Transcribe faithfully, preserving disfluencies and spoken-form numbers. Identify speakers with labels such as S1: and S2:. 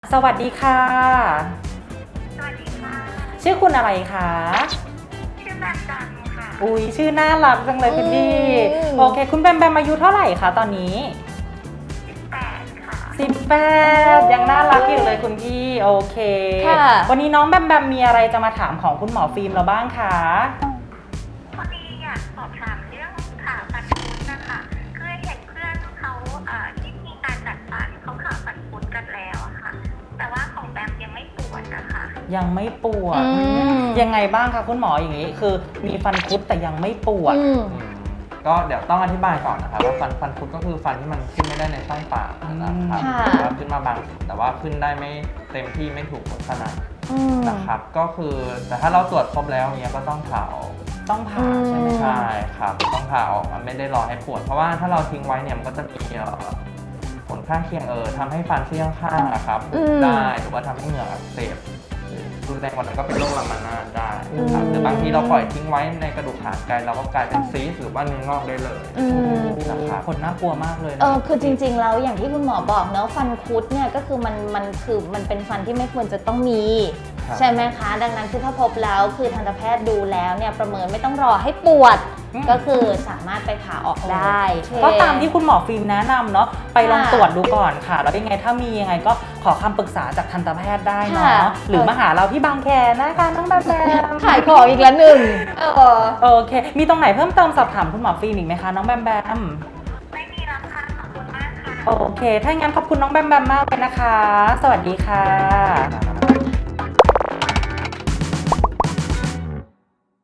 S1: สวัสดีค่ะ
S2: สวัสดีค่ะ
S1: ชื่อคุณอะไรคะ
S2: ชื่อแบมจันค่ะ
S1: อุ้ยชื่อน่ารักจังเลยคุณพี่
S3: อืม
S1: โอเค คุณแบมแบมอายุเท่าไหร่คะตอนนี้
S2: สิบแปดค่ะ
S1: สิบแปดยังน่ารักอยู่เลยคุณพี่ โอเค
S3: ค่ะ
S1: วันนี้น้องแบมแบมมีอะไรจะมาถามของคุณหมอฟิล์มเราบ้างคะ
S2: พอดีอยากสอบถามเรื่องผ่าฟันคุดนะคะคือเห็นเพื่อนเขาเอ่อที่มีการจัดฟันเขาผ่าฟันคุดกันแล้วอะค่ะ แต่ว่าของแบมยังไม่ปวดนะคะ
S1: ยังไม่ปวด
S3: อืม
S1: ยังไงบ้างคะคุณหมออย่างนี้ คือมีฟันคุดแต่ยังไม่ปวด
S3: อืม
S4: อืมก็เดี๋ยวต้องอธิบายก่อนนะครับว่าฟันฟันคุดก็คือฟันที่มันขึ้นไม่ได้ในช่องปากนะครับ
S3: ค่ะ
S4: หรือว่าขึ้นมาบางส่วนแต่ว่าขึ้นได้ไม่เต็มที่ไม่ถูกลักษณะ
S3: อืม
S4: นะครับ ก็คือแต่ถ้าเราตรวจครบแล้วเนี้ยก็ต้องผ่าออก
S1: ต้องผ่าใช่ไหม
S3: อืม
S1: คะ
S4: ใช่ครับต้องผ่าออกมันไม่ได้รอให้ปวด เพราะว่าถ้าเราทิ้งไว้เนี่ยมันก็จะมีเอ่อผลข้างเคียงเออทำให้ฟันซี่ข้างๆอะครับ
S3: อืม
S4: ได้หรือว่าทำให้เหงือกอักเสบหรือรุนแรงกว่านั้นก็เป็นโรคลามานาดได้ครับ
S3: อืม
S4: หรือบางทีเราปล่อยทิ้งไว้ในกระดูกหางไกลเราก็กลายเป็นซีสหรือว่าเนื้องอกได้เลย
S3: อืม
S4: นะครับ
S1: ผลน่ากลัวมากเลยนะ
S3: เออคือจริงๆแล้วอย่างที่คุณหมอบอกเนอะฟันคุดเนี่ยก็คือมันมันคือมันเป็นฟันที่ไม่ควรจะต้องมี
S4: ครับ
S3: ใช่ไหมคะ ดังนั้นคือถ้าพบแล้วคือทันตแพทย์ดูแล้วเนี่ยประเมินไม่ต้องรอให้ปวด
S1: อืม
S3: ก็คือสามารถไปผ่าออกได้
S1: ก็ตามที่คุณหมอฟิล์มแนะนำเนาะไปลอง
S3: ค่ะ
S1: ตรวจดูก่อนค่ะ แล้วยังไงถ้ามียังไงก็ขอคำปรึกษาจากทันตแพทย์ได้เนาะ
S3: ค่ะ
S1: หรือมาหาเราที่บางแคนะคะน้องแบมแบม
S3: ขายของอีกแล้วหนึ่งเออ
S1: โอเค มีตรงไหนเพิ่มเติมสอบถามคุณหมอฟิล์มอีกไหมคะน้องแบมแบม
S2: ไม่มีแล้วค่ะขอบคุณมากค่ะ
S1: โอเค ถ้าอย่างนั้นขอบคุณน้องแบมแบมมากเลยนะคะ สวัสดีค่ะ